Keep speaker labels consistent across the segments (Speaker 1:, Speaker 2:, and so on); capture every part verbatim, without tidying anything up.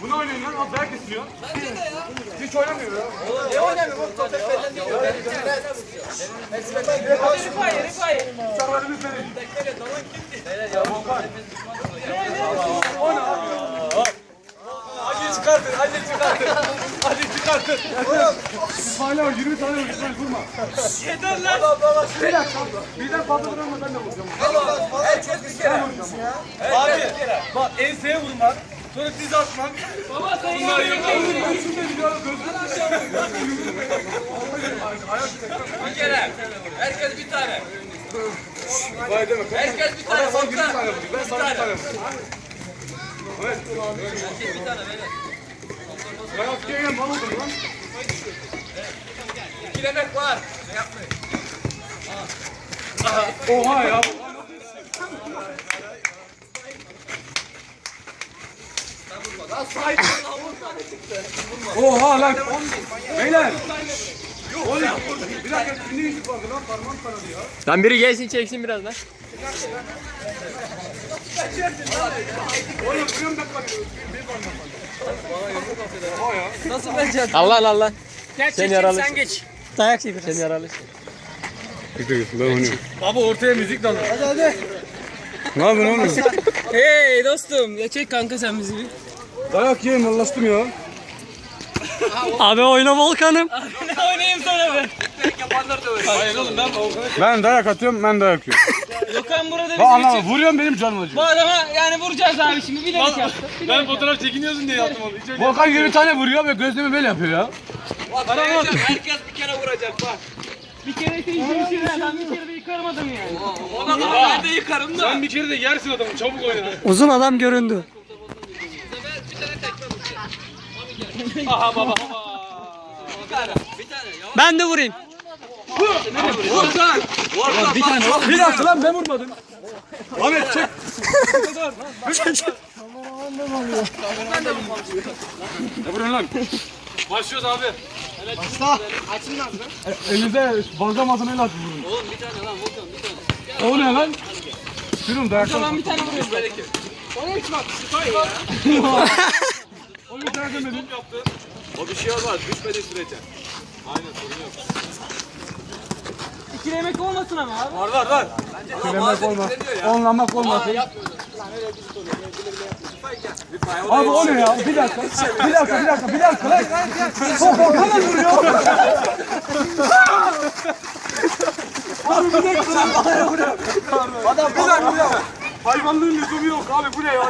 Speaker 1: Bunu oynayın lan, az dayak kesiyor. Bence de ya. Hiç oynamıyor ya.
Speaker 2: Ne oynamıyor? Bu top hep benden değil.
Speaker 3: Rifai, Rifai.
Speaker 1: Bıçakları biz verin.
Speaker 2: O ne abi ya? Hadi çıkartın, hadi çıkartın. Hadi çıkartın.
Speaker 1: İsmail abi yirmi tane vur, İsmail vurma.
Speaker 3: Yeter lan.
Speaker 1: Bir dakika. Birden fazla vuramam ben de vuracağım.
Speaker 2: Herkes bir kere. Abi bak enseye vurmak, sonra diz atmak.
Speaker 3: Baba sen
Speaker 2: Bunlar yok.
Speaker 3: Bir kere. Herkes bir tane.
Speaker 1: Vay deme.
Speaker 3: Herkes bir tane.
Speaker 1: Adam sana yirmi tane vurdu. Ben sana bir tane vurayım. Evet.
Speaker 3: Herkes bir tane böyle.
Speaker 1: Dayak yiyen mal oldum lan.
Speaker 3: İki demek var. Ne yapmayın?
Speaker 1: Oha ya. Oha lan. Beyler. Oğlum bir dakika ne yüzük vardı lan parmağım kanadı ya.
Speaker 4: Lan biri gelsin çeksin biraz lan.
Speaker 1: Oğlum kırıyorum bak bak. Bir parmağım kanadı. Oha ya.
Speaker 3: Nasıl bence?
Speaker 4: Allah Allah.
Speaker 3: Gel
Speaker 4: Sen
Speaker 3: çek
Speaker 4: yaralı.
Speaker 3: sen geç.
Speaker 4: Dayak yedin. Sen yaralı.
Speaker 2: Baba ortaya müzik dalıyor. Hadi hadi.
Speaker 1: Ne yapıyorsun oğlum?
Speaker 3: Hey dostum. Ya çek kanka sen bizi bir.
Speaker 1: Dayak yiyeyim Allah'ım ya.
Speaker 4: Abi oyna Volkan'ım.
Speaker 3: Ne oynayayım sana ben? Yapanlar da öyle.
Speaker 2: Hayır oğlum ben
Speaker 1: Ben dayak atıyorum ben dayak yiyorum.
Speaker 3: Gökhan burada
Speaker 1: Bak
Speaker 3: bizim
Speaker 1: anam
Speaker 3: için.
Speaker 1: vuruyorum benim canım acıyor.
Speaker 3: Bu adama yani vuracağız abi şimdi. Bilerek yaptı.
Speaker 2: ben fotoğraf çekiniyorsun diye yaptım onu. Hiç öyle
Speaker 1: Volkan yirmi tane vuruyor ve gözlemi böyle yapıyor ya.
Speaker 3: Herkes bir kere vuracak bak. Bir kere ise işin işin. Ben bir kere de yıkarım adamı yani. Ona da ben de yıkarım da.
Speaker 2: Sen bir kere de yersin adamı çabuk oyna.
Speaker 4: Uzun adam göründü.
Speaker 3: Aha baba. Bir tane. Bir tane.
Speaker 4: Ben de vurayım.
Speaker 3: Volkan. Volkan. Bir tane.
Speaker 1: Bir dakika lan ben vurmadım. Ahmet çek. Ne vuruyorsun lan?
Speaker 2: Başlıyoruz abi.
Speaker 1: Elinize fazla malzemeyle atın vurun.
Speaker 3: Oğlum bir tane lan Volkan bir tane.
Speaker 1: O ne lan? Sürüm dayak.
Speaker 3: Ben bir tane vuruyorum belki. Ona hiç bak.
Speaker 1: O bir tane demedim.
Speaker 2: O bir şey olmaz. Düşmediği sürece.
Speaker 3: İki yemek olmasın ama abi.
Speaker 2: Var var var.
Speaker 1: Demek olmaz. Onlamak olmaz. Abi o ne ya? Bir dakika. Bir dakika, bir dakika, bir dakika lan. Çok Volkan'a vuruyor. Abi bir dakika. Sen bana vuruyor. Adam bir dakika, bir dakika. Hayvanlığın lüzumu yok abi bu ne ya?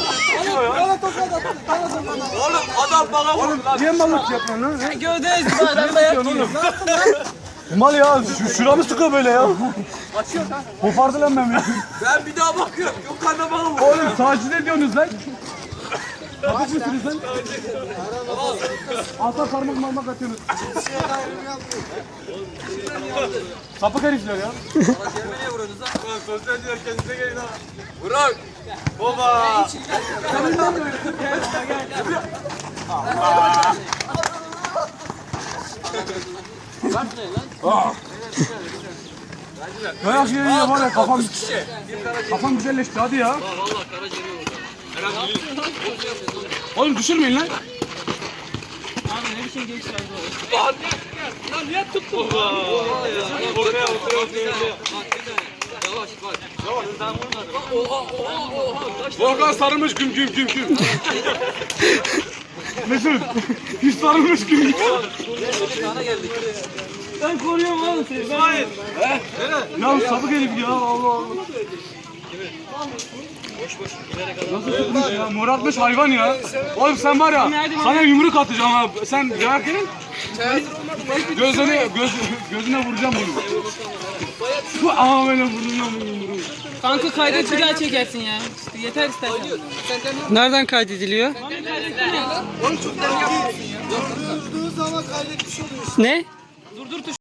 Speaker 2: Oğlum adam bana vurdu lan.
Speaker 1: Niye mallık yapıyorsun lan?
Speaker 3: Gövdeyiz bu adam da yapıyor.
Speaker 1: Mal ya, şu, şuramı sıkıyor böyle ya. Açıyor lan. Kopardı lan beni.
Speaker 2: Ben bir daha bakıyorum. Yok karnına bana vurdu.
Speaker 1: Oğlum taciz ediyorsunuz lan. Taciz misiniz lan? Alta parmak marmak atıyorsunuz. Sapık herifler ya.
Speaker 2: Niye vuruyorsunuz lan? Ulan sosyalciler kendinize gelin ha. Burak. Baba.
Speaker 1: Dayak yiyince var ya kafam, kafam güzelleşti hadi ya.
Speaker 3: Vallahi karaciğeri oldu.
Speaker 1: Oğlum düşürmeyin lan.
Speaker 3: Abi ne biçim gençler bu? Lan niye tuttun?
Speaker 2: Ortaya ortaya ortaya.
Speaker 3: Yavaş bak. Yavaş. Ben vurmadım. Oha oha oha.
Speaker 1: Volkan sarılmış güm güm güm güm. Mesut, hiç sarılmış güm güm.
Speaker 3: Sana geldik. Ben koruyorum oğlum seni.
Speaker 2: Hayır.
Speaker 1: Ya sapık herif ya Allah Allah. Nasıl tutmuş ya? Moratmış hayvan ya. Oğlum sen var ya, sana yumruk atacağım ha. Sen dayak yedin. Gözüne, göz, gözüne vuracağım bunu. Bu ama böyle vuracağım bunu yumruğu.
Speaker 3: Kanka kaydet bir daha çekersin ya. İşte yeter istersen.
Speaker 4: Nereden kaydediliyor?
Speaker 3: Oğlum çok
Speaker 4: Ne?
Speaker 3: Durdur tuş.